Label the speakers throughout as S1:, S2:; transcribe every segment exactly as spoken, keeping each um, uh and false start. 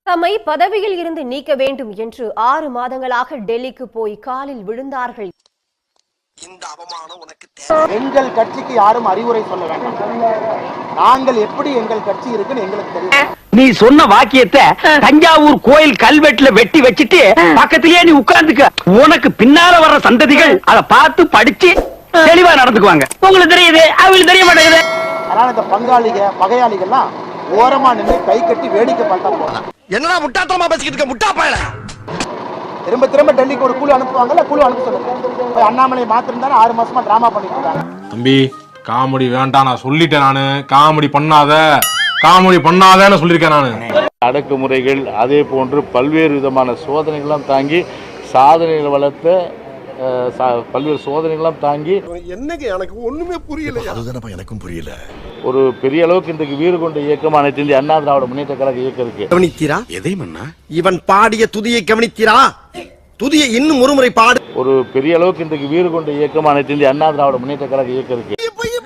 S1: தம்மை பதவியில் இருந்து நீக்க வேண்டும் என்று ஆறு மாதங்களாக டெல்லிக்கு போய் காலில் விழுந்தார்கள்.
S2: இந்த அவமானம் உனக்கு
S3: எங்கள் கட்சிக்கு யாரும் அறிவுரை சொல்ல வேண்டாம். நாங்கள் எப்படி எங்கள் கட்சி இருக்குன்னு எங்களுக்கு தெரியும்.
S4: நீ சொன்ன வாக்கியத்தை தஞ்சாவூர் கோயில் கல்வெட்டுல வெட்டி வச்சிட்டு பக்கத்திலேயே நீ உட்கார்ந்துக்க. உனக்கு பின்னால வர்ற சந்ததிகள் அதை பார்த்து படிச்சு தெளிவா நடந்துக்குவாங்க. உங்களுக்கு தெரியுது, அவங்களுக்கு தெரிய மாட்டேங்குது.
S3: அதனால இந்த பங்காளிக பகையாளிகள்லாம் ஓரமா நின்று கை கட்டி வேடிக்கை பார்த்தா போகலாம்.
S2: என்னடா முட்டாத்தனமா பேசிக்கிட்டு இருக்க முட்டா பயல.
S3: திரும்ப திரும்ப டெல்லிக்கு ஒரு குழு அனுப்புவாங்கல்ல, குழு அனுப்ப சொல்லுங்க. அண்ணாமலை மாத்திருந்தாலும் ஆறு மாசமா டிராமா பண்ணிட்டு இருக்காங்க.
S5: தம்பி காமெடி வேண்டாம், நான் சொல்லிட்டேன். நானு காமெடி பண்ணாத காமெடி பண்ணாதன்னு சொல்லியிருக்கேன். நானு
S6: அடக்குமுறைகள் அதே போன்று பல்வேறு விதமான சோதனைகள்லாம் தாங்கி சாதனைகளை வளர்த்த பல்வேறு சோதனைகள்லாம் தாங்கி
S2: என்னங்க எனக்கு ஒண்ணுமே புரியல. அதுதானப்பா எனக்கும் புரியல.
S6: ஒரு பெரிய அளவுக்கு இன்றைக்கு வீறு கொண்ட இயக்கம் அனைத்து இந்திய அண்ணா திராவிட முன்னேற்ற கழக இயக்கம் இருக்கு.
S2: கவனித்தீரா? எதை மன்னா? இவன் பாடிய துதியை கவனித்தீரா? துதியை இன்னும் ஒருமுறை பாடு.
S6: ஒரு பெரிய அளவுக்கு இன்றைக்கு வீறு கொண்ட இயக்கம் அனைத்து இந்திய அண்ணா திராவிட முன்னேற்ற கழக இயக்கம் இருக்கு.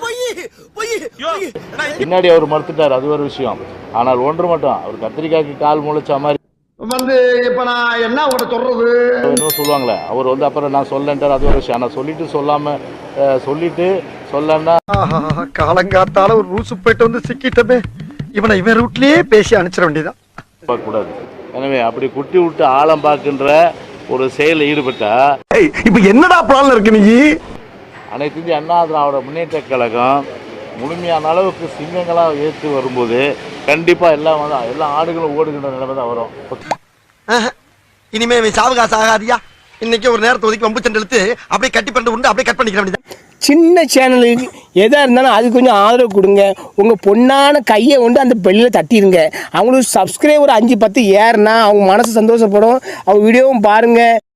S6: பின்னாடி அவர் மறுத்துட்டார், அது ஒரு விஷயம். ஆனால் ஒன்று மட்டும், அவர் கத்திரிக்காய்க்கு கால் முளைச்ச மாதிரி
S2: வந்து இப்ப நான் என்ன உட சொல்றது
S6: என்ன சொல்லுவாங்களே, அவர் வந்து அப்புறம் நான் சொல்லன்ட்டார், அது ஒரு விஷயம். ஆனா சொல்லிட்டு சொல்லாம சொல்லிட்டு சொல்லன்னா
S2: காலங்காத்தால ஒரு ரூசு போயிட்டு வந்து சிக்கிட்டமே, இவனை இவன் ரூட்லயே பேசி அனுப்பிச்சிட வேண்டியதான்
S6: கூடாது. எனவே அப்படி குட்டி விட்டு ஆழம் பார்க்கின்ற ஒரு செயலில் ஈடுபட்டா
S2: இப்ப என்னடா பிளான் இருக்கு? நீ
S6: அனைத்து இந்திய அண்ணா திராவிட முன்னேற்ற கழகம் முழுமையான அளவுக்கு சிங்கங்களாக ஏற்று வரும்போது கண்டிப்பா எல்லாம் வந்து எல்லா ஆடுகளும் ஓடுகின்ற நிலைமை தான் வரும்.
S2: இனிமே சாவகாச ஆகாதியா. இன்னைக்கு ஒரு நேரத்தை ஒதுக்கி வம்பு சண்டை இழுத்து அப்படியே கட்டி பண்ணிட்டு உண்டு அப்படியே கட் பண்ணிக்க வேண்டியது.
S7: சின்ன சேனலுக்கு எதாக இருந்தாலும் அது கொஞ்சம் ஆதரவு கொடுங்க. உங்கள் பொண்ணான கையை கொண்டு அந்த பெல்லில் தட்டிடுங்க. அவங்களுக்கு சப்ஸ்கிரைபர் அஞ்சு பத்து ஏறுனா அவங்க மனசு சந்தோஷப்படும். அவங்க வீடியோவும் பாருங்கள்.